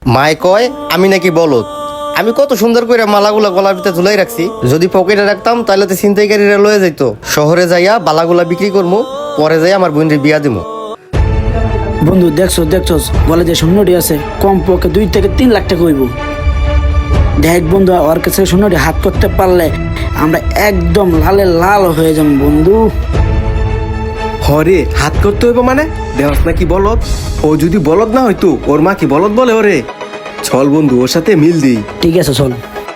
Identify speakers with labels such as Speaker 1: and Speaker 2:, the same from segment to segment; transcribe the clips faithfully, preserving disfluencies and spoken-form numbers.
Speaker 1: মায় কয় আমি নাকি বলদ। আমি কত সুন্দর করে মালাগুলা গলার ভিতরে ঝুলাই রাখছি, যদি পকেটে রাখতাম তাহলে তো ছিনতাইকারীরা লয়ে যাইতো। শহরে যাইয়া বালাগুলা বিক্রি করবো, পরে যাই আমার বোনের বিয়া দিমু।
Speaker 2: বন্ধু দেখছো দেখছো বলে যে শূন্যটি আছে, কম পক্ষে দুই থেকে তিন লাখ টাকা হইব। দেখ বন্ধু, ওর কাছে শূন্যটি হাত করতে পারলে আমরা একদম লালে লাল হয়ে যাবো বন্ধু।
Speaker 3: হরে হাত করতে হইব মানে দেহস নাকি বলদ? ও যদি বলদ না হইতো ওর মা কি বলদ বলে ওরে? চল বন্ধু ওর সাথে মিল দিই।
Speaker 2: ঠিক আছে চল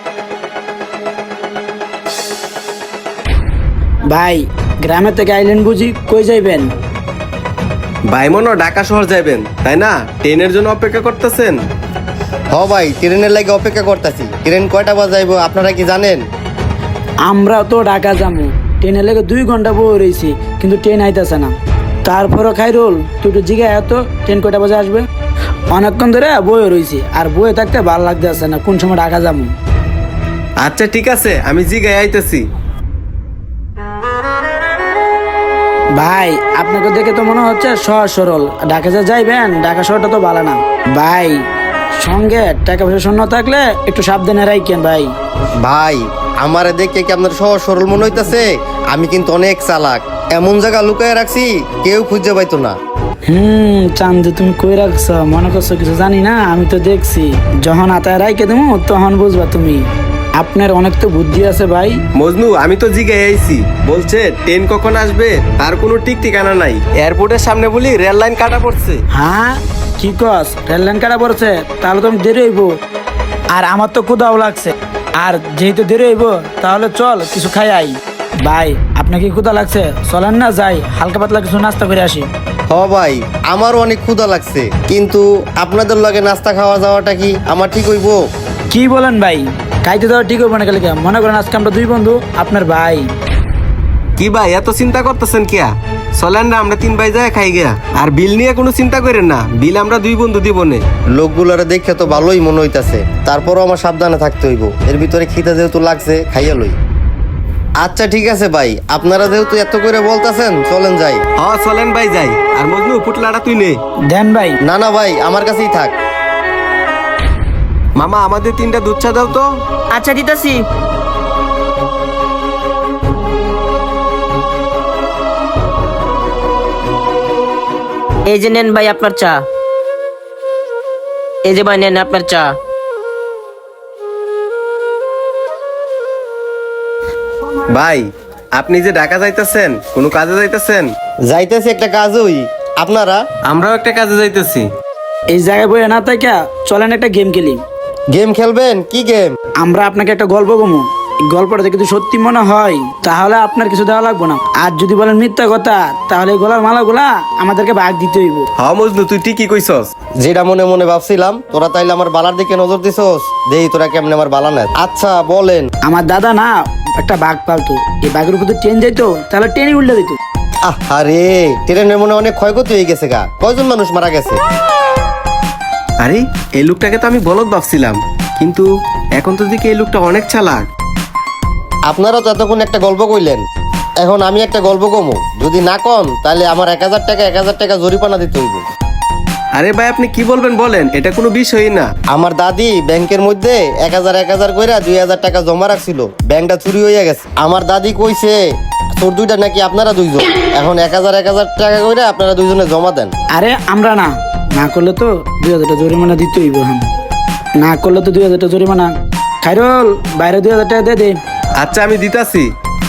Speaker 2: ভাই। গ্রামে থেকে আইলেন বুঝি, কই যাইবেন?
Speaker 3: ভাইমনও ঢাকা শহর যাইবেন তাই না? ট্রেনের জন্য অপেক্ষা করতেছেন?
Speaker 1: হ ভাই, ট্রেনের লাগে অপেক্ষা করতেছি। ট্রেন কয়টা বাজাইবো আপনারা কি জানেন?
Speaker 2: আমরা তো ঢাকা যাবো, ট্রেনে লেগে দুই ঘন্টা বয়ে রয়েছি, কিন্তু ট্রেন আইতেছে না। তারপরও খাইরুল তুই একটু জিগায় এত ট্রেন কয়টা বাজে আসবে? অনেকক্ষণ ধরে বয়ে রয়েছি, আর বয়ে থাকতে ভালো লাগতেছে না, কোন সময় ঢাকা যাবো।
Speaker 3: আচ্ছা ঠিক আছে, আমি জিগায় আইতেছি।
Speaker 2: ভাই আপনাকে দেখে তো মনে হচ্ছে সহজ সরল, ঢাকা যা যাইবেন, ঢাকা শহরটা তো ভালো না ভাই। সঙ্গে টাকা পয়সা শূন্য থাকলে একটু সাবধানে রাখেন ভাই।
Speaker 1: ভাই আমারে দেখে কি আপনার সহজ সরল মনে হইতাছে? আমি কিন্তু অনেক চালাক, এমন জায়গা লুকায় রাখছি কেউ খুঁজে পাইতো না।
Speaker 2: হুম চান্দ তুমি কই রাখছ, মনে করছো কিছু জানি না? আমি তো দেখছি, যখন আতায় রাইকে দেবো তখন বুঝবা তুমি। আপনার অনেক তো বুদ্ধি আছে ভাই।
Speaker 3: মজনু আমি তো জিগায় আইছি, বলছে ট্রেন কখন আসবে তার কোনো ঠিক ঠিকানা নাই। এয়ারপোর্টের সামনে বলি রেল লাইন কাটা পড়ছে।
Speaker 2: হ্যাঁ কি কস, রেল লাইন কাটা পড়ছে? তাহলে তো আমি দেরি হইব, আর আমার তো ক্ষুধাও লাগছে। আর যেহেতু দেরি হইব তাহলে চল কিছু খাই আই। ভাই আপনার কি ক্ষুধা লাগছে? চলেন না যাই, হালকা পাতলা কিছু নাস্তা করে আসি।
Speaker 1: হ ভাই, আমারও অনেক ক্ষুধা লাগছে, কিন্তু আপনাদের লগে নাস্তা খাওয়া যাওয়াটা কি আমার ঠিক হইব?
Speaker 2: কি বলেন ভাই, খাইতে দেওয়া ঠিক হইব না? কালকে মনে করেন আজকে আমরা দুই বন্ধু, আপনার ভাই।
Speaker 3: কি ভাই এত চিন্তা করতেছেন কিয়া? চলেন না আমরা তিন ভাই যায় খাই গিয়া। আর বিল নিয়ে কোনো চিন্তা করেন না, বিল আমরা দুই বন্ধু দিব নে।
Speaker 1: লোকগুলারে দেখে তো ভালোই মনে হইতাছে, তারপরও আমার সাবধানে থাকতে হইব। এর ভিতরে খিদা যেহেতু লাগছে, খাইয়া লই। আচ্ছা ঠিক আছে ভাই, আপনারা যেহেতু এত করে বলতাছেন চলেন যাই।
Speaker 3: হ চলেন ভাই যাই। আর মজনু পুটলাটা তুই নে।
Speaker 2: দেন ভাই।
Speaker 1: না না ভাই, আমার কাছেই থাক।
Speaker 3: মামা আমাদের তিনটা দুধ চা দাও তো।
Speaker 4: আচ্ছা দিতাছি। এই যে নেন ভাই আপনার চা। এই যে ভাই নেন আপনার চা।
Speaker 3: ভাই আপনি যে ঢাকা যাইতেছেন, কোনো কাজে যাইতেছেন?
Speaker 1: যাইতেছি একটা কাজ হই। আপনারা?
Speaker 3: আমরাও একটা কাজে যাইতেছি।
Speaker 2: এই জায়গায় বইয়ে না তাই কা, চলেন একটা গেম খেলি।
Speaker 1: গেম খেলবেন? কি গেম?
Speaker 2: আমরা আপনাকে একটা গল্প কমু, এই গল্পটা যদি সত্যি মনে হয় তাহলে আপনার কিছু দেওয়া লাগবে না, আর যদি বলেন মিথ্যা কথা তাহলে এই গলার মালাগুলা আমাদেরকে ভাগ দিতে হইব।
Speaker 3: হ মজনু তুই ঠিকই কইছস।
Speaker 1: যেটা মনে মনে ভাবছিলাম, তোরা তাইলে আমার বালার দিকে নজর দিছস। দেই তোরা কেমনে আমার বালা নেয়। আচ্ছা বলেন।
Speaker 2: আমার দাদা না একটা বাঘ পালতো, এই বাঘের উপর ট্রেন যাইতো, তাহলে ট্রেনই উল্টে দিত।
Speaker 1: আরে ট্রেনের মনে অনেক ক্ষয়ক্ষতি হয়ে গেছে গা, কয়জন মানুষ মারা গেছে।
Speaker 3: আরে এই লোকটাকে তো আমি বলদ ভাবছিলাম, কিন্তু এখন তো দেখি এই লোকটা অনেক চালাক।
Speaker 1: আপনারা তো এতক্ষণ একটা গল্প কইলেন, এখন আমি একটা গল্প কমু। যদি না কন তাহলে আমার এক হাজার টাকা এক হাজার টাকা জরিমানা দিতে হইব।
Speaker 3: আরে ভাই আপনি কি বলবেন বলেন, এটা কোনো বিষয়ই না।
Speaker 1: আমার দাদি ব্যাংকের মধ্যে এক হাজার এক হাজার করে দুই হাজার টাকা জমা রাখছিল, ব্যাংকটা চুরি হয়ে গেছে। আমার দাদি কইছে তোর দুইটা নাকি আপনারা দুইজন, এখন এক হাজার এক হাজার টাকা করে আপনারা দুইজনে জমা দেন।
Speaker 2: আরে আমরা না না করলে তো দুই হাজার টাকা জরিমানা দিতে হইব। হ্যাঁ না করলে তো দুই হাজার টাকা জরিমানা। খাইরুল বাইরে দুই হাজার টাকা দিয়ে দে।
Speaker 3: আচ্ছা আমি দিতাছি।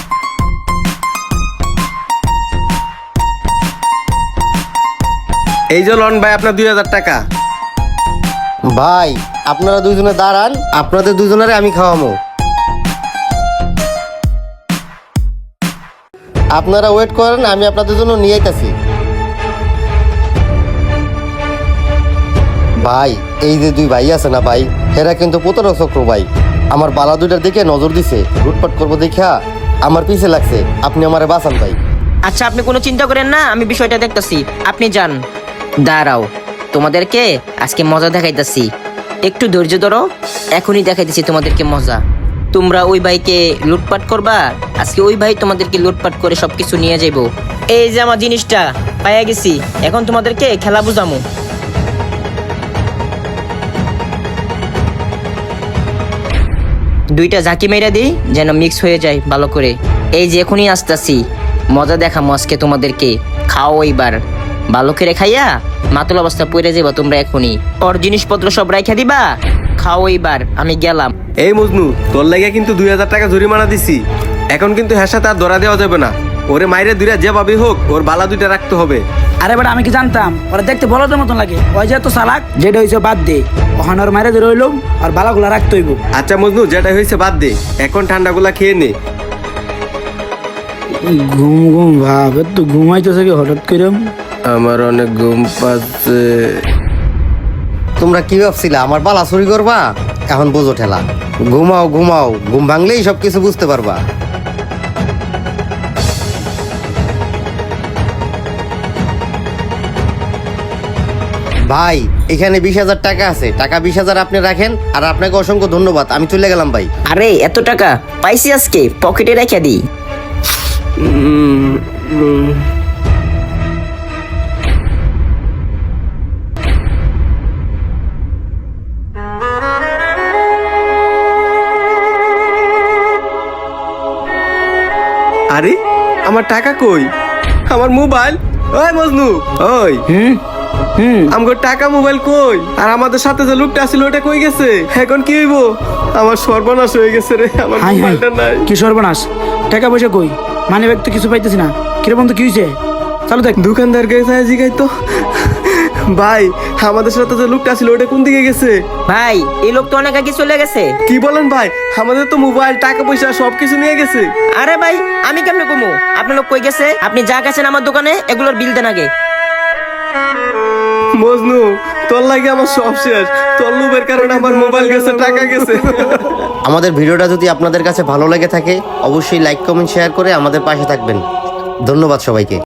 Speaker 3: এই যে লন ভাই আপনার দুই হাজার টাকা।
Speaker 1: ভাই আপনারা দুইজনে দাঁড়ান, আপনাদের দুইজনের আমি খাওয়ামো। আপনারা ওয়েট করেন, আমি আপনাদের জন্য নিয়ে আইতাছি। ভাই এই যে দুই ভাই আছে না ভাই, এরা কিন্তু প্রতারক চক্র ভাই। আমার বালা দুইটার দিকে নজর দিছে, লুটপাট করবো দেখা আমার পিছে লাগছে। আপনি আমারে বাঁচান ভাই।
Speaker 4: আচ্ছা আপনি কোনো চিন্তা করেন না, আমি বিষয়টা দেখতাছি, আপনি যান। দাঁড়াও, তোমাদেরকে আজকে মজা দেখাইতাছি, একটু ধৈর্য ধরো, এখনই দেখাইতেছি তোমাদেরকে মজা। তোমরা ওই ভাইকে লুটপাট করবা, আজকে ওই ভাই তোমাদেরকে লুটপাট করে সবকিছু নিয়ে যাইবো। এই যে আমার জিনিসটা পাইয়া গেছি, এখন তোমাদেরকে খেলা বুঝামু। দুইটা ঝাঁকি মেরা দিই যেন মিক্স হয়ে যায় ভালো করে। এই যে এখনই আসতাছি, মজা দেখামো আজকে তোমাদেরকে। খাও এইবার ভালো করে খাইয়া মাতুল অবস্থা পড়ে যাবা তোমরা এখনই। ওর জিনিসপত্র সব রাইখা দিবা, খাও এইবার, আমি গেলাম।
Speaker 3: এই মজনু, তোর লাগে কিন্তু দুই হাজার টাকা জরিমানা দিছি। এখন কিন্তু হ্যাঁ সাথে আর ধরা দেওয়া যাবে না। ওরে মাইরে দুইটা যেভাবে হোক ওর বালা দুইটা রাখতে হবে।
Speaker 2: আরে বেটা আমি কি জানতাম ওরা দেখতে বলদের মতন লাগে, ওই যে এত চালাক, যেটা হয়েছে বাদ দে, ওখানে ওর মাইরে ধরে হইলাম আর বালাগুলা রাখতে হইব।
Speaker 3: আচ্ছা মজনু, যেটা হয়েছে বাদ দে, এখন ঠান্ডাগুলা খেয়ে নে।
Speaker 2: ঘুম ঘুম ভাব, তো ঘুমাইতেছে কি হঠাৎ করে?
Speaker 3: আমার অনেক ঘুম পাচ্ছে।
Speaker 1: তোমরা কি ভাবছিলা আমার বালা চুরি করবা? এখন বোঝো ঠেলা। ঘুমাও ঘুমাও, ঘুম ভাঙলেই সব কিছু বুঝতে পারবা। ভাই এখানে বিশ হাজার টাকা আছে, টাকা বিশ হাজার আপনি রাখেন। আর আপনাকে অসংখ্য ধন্যবাদ, আমি চলে গেলাম ভাই।
Speaker 4: আরে এত টাকা পাইছি আজকে, পকেটে রেখে দিই।
Speaker 3: আরে আমার টাকা কই? আমার মোবাইল? ওই মজনু, ওই
Speaker 2: হুম হুম
Speaker 3: আমগো টাকা মোবাইল কই? আর আমাদের সাথে যে লোকটা ছিল ওটা কই গেছে? এখন কি হইব? আমার সর্বনাশ হয়ে গেছে রে, আমার
Speaker 2: হাই হাই,
Speaker 3: মোবাইলটা নাই।
Speaker 2: কি সর্বনাশ! টাকা পয়সা কই? মানে ব্যাগ তো কিছু পাইতেছি না। কিরে বন্ধু, কি হয়েছে? চলো দেখ।
Speaker 3: দোকানদার গেছে জিগাই তো। ভাই আমাদের সাথে যে লোকটা ছিল ওটা কোন দিকে গেছে?
Speaker 4: ভাই এই লোক তো অনেক আগে চলে গেছে।
Speaker 3: কি বলেন ভাই? আমাদের তো মোবাইল, টাকা পয়সা সবকিছু নিয়ে গেছে।
Speaker 4: আরে ভাই আমি কেমনে কমু? আপনার লোক কই গেছে? আপনি যা গেছেন আমার দোকানে এগুলোর বিল দেন আগে।
Speaker 3: মজনু, তোর লাগে আমার সব শেষ। তোর লোভের কারণে আমার মোবাইল গেছে, টাকা গেছে।
Speaker 1: আমাদের ভিডিওটা যদি আপনাদের কাছে ভালো লেগে থাকে অবশ্যই লাইক কমেন্ট শেয়ার করে আমাদের পাশে থাকবেন। ধন্যবাদ সবাইকে।